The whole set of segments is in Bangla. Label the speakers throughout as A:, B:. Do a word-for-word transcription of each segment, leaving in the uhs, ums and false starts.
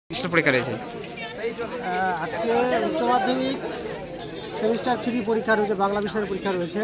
A: কিসের পরীক্ষা রয়েছে?
B: আজকে উচ্চ মাধ্যমিক সেমিস্টার থ্রি পরীক্ষা রয়েছে, বাংলা বিষয়ের পরীক্ষা রয়েছে।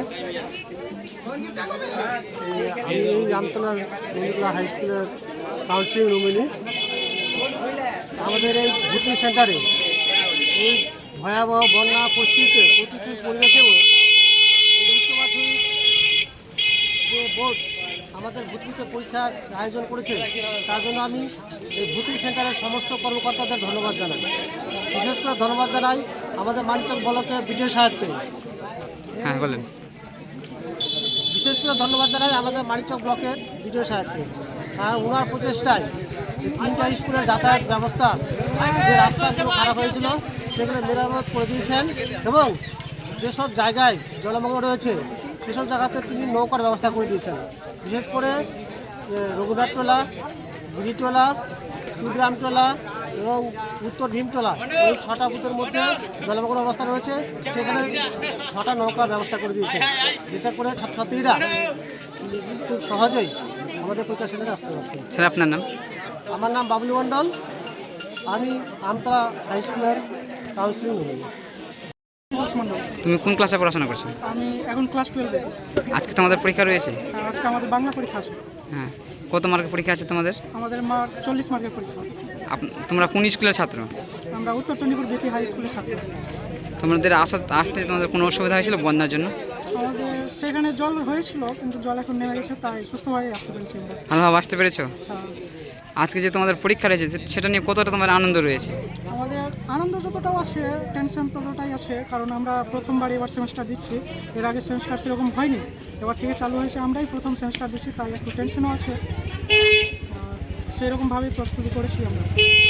B: আমি এই জামতলার নন্দীতলা হাই স্কুলের কাউন্সিলিং রুমিনী। আমাদের এই ভর্তি সেন্টারে এই ভয়াবহ বন্যা পরিস্থিতিতে প্রতিকূল পরিবেশেও উচ্চ মাধ্যমিক যে বোর্ড আমাদের ভর্তিতে পরীক্ষার আয়োজন করেছে, তার জন্য আমি এই ভর্তি সেন্টারের সমস্ত কর্মকর্তাদের ধন্যবাদ জানাই। বিশেষ করে ধন্যবাদ জানাই আমাদের মানিকচক ব্লকের বিডিও সাহেবকে।
A: হ্যাঁ বলেন।
B: বিশেষ করে ধন্যবাদ জানাই আমাদের মানিকচক ব্লকের বিডিও সাহেবকে, কারণ ওনার প্রচেষ্টায় তিনটা স্কুলের যাতায়াত ব্যবস্থা, যে রাস্তাগুলো খারাপ হয়েছিল সেগুলো মেরামত করে দিয়েছেন, এবং যেসব জায়গায় জলমগ্ন রয়েছে সেসব জায়গাতে তিনি নৌকার ব্যবস্থা করে দিয়েছেন। বিশেষ করে রঘুনাথটোলা, গিরিটোলা, শিবগ্রামটোলা এবং উত্তর ভীমটোলা, এই ছটা বুথের মধ্যে জলমগ্ন অবস্থা রয়েছে, সেখানে ছটা নৌকার ব্যবস্থা করে দিয়েছে, যেটা করে ছাত্রছাত্রীরা খুব সহজেই আমাদের পরীক্ষা সেন্টারে আসতে পারছে।
A: স্যার আপনার নাম?
B: আমার নাম বাবলু মণ্ডল, আমি আমতলা হাই স্কুলের কাউন্সিলিং রুম।
A: তুমি কোন ক্লাসে পড়াশোনা করছো?
C: আমি এখন ক্লাস টুয়েলভে।
A: আজকে তোমাদের পরীক্ষা রয়েছে?
C: আজকে আমাদের বাংলা পরীক্ষা আছে।
A: হ্যাঁ, কত মার্কের পরীক্ষা আছে তোমাদের?
C: আমাদের মার্ক চল্লিশ মার্কের পরীক্ষা।
A: তোমরা কোন স্কুলের ছাত্র?
C: আমরা উত্তর চণ্ডীপুর বিপি হাই স্কুলের ছাত্র।
A: তোমাদের আসা আসতে তোমাদের কোনো অসুবিধা হয়েছিল বন্যার জন্য?
C: আমাদের সেখানে জল হয়েছিল, কিন্তু জল এখন নেমে গেছে, তাই সুস্থভাবে আসতে পেরেছি আমরা।
A: ভালোভাবে আসতে পেরেছো?
C: হ্যাঁ।
A: আজকে যে তোমাদের পরীক্ষা রয়েছে সেটা নিয়ে কতটা তোমার আনন্দ রয়েছে?
C: আমাদের আনন্দ যতটাও আছে, টেনশন ততটাই আছে, কারণ আমরা প্রথমবার এবার সেমিস্টার দিচ্ছি। এর আগে সেমিস্টার সেরকম হয়নি, এবার থেকে চালু হয়েছে, আমরাই প্রথম সেমিস্টার দিচ্ছি, তাই একটু টেনশনও আছে। সেরকমভাবেই প্রস্তুতি করেছি আমরা।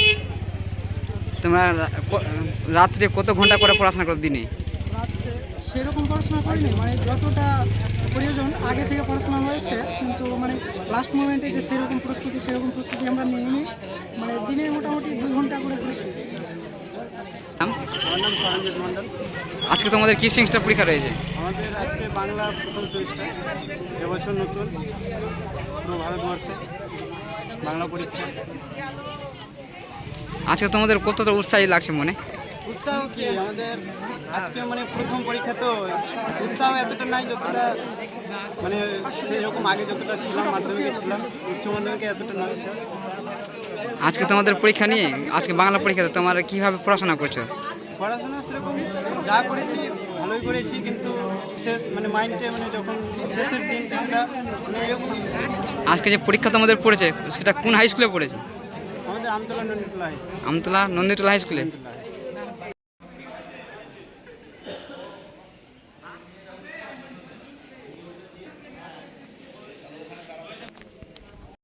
A: তোমরা রাত্রে কত ঘন্টা করে পড়াশোনা করো দিনে?
C: রাত্রে সেরকম পড়াশোনা করিনি, মানে যতটা প্রয়োজন আগে থেকে পড়াশোনা হয়েছে, কিন্তু মানে লাস্ট মোমেন্টে যে সেরকম প্রস্তুতি সেরকম প্রস্তুতি আমরা নিইনি। মানে দিনে মোটামুটি দুই ঘন্টা করে করেছি।
B: আমার নাম সরঞ্জিত মণ্ডল।
A: আজকে তোমাদের কি সেমিস্টার পরীক্ষা রয়েছে?
B: আমাদের আজকে বাংলা প্রথম সেমিস্টার, এবছর নতুন পুরো ভারতবর্ষে বাংলা পরীক্ষা।
A: আজকে তোমাদের কতটা উৎসাহী লাগছে মনে?
B: উৎসাহ কি, আমাদের আজকে মানে প্রথম পরীক্ষা, তো উৎসাহ এতটা নাই যতটা মানে সেরকম আগে যতটা ছিলাম, মাধ্যমিকে ছিলাম, উচ্চ মাধ্যমিকে এতটা নয়।
A: আজকে তোমাদের পরীক্ষা নিয়ে, আজকে বাংলা পরীক্ষাতে তোমরা কীভাবে পড়াশোনা করছো?
B: পড়াশোনা সেরকম যা করেছি ভালোই করেছি, কিন্তু শেষ মানে মাইন্ডে মানে যখন শেষের দিন সেটা মানে এরকম।
A: আজকে যে পরীক্ষা তোমাদের পড়েছে সেটা কোন হাই স্কুলে পড়েছে?
B: আমাদের Amtala Nanditala high school.
A: Amtala Nanditala high স্কুলে।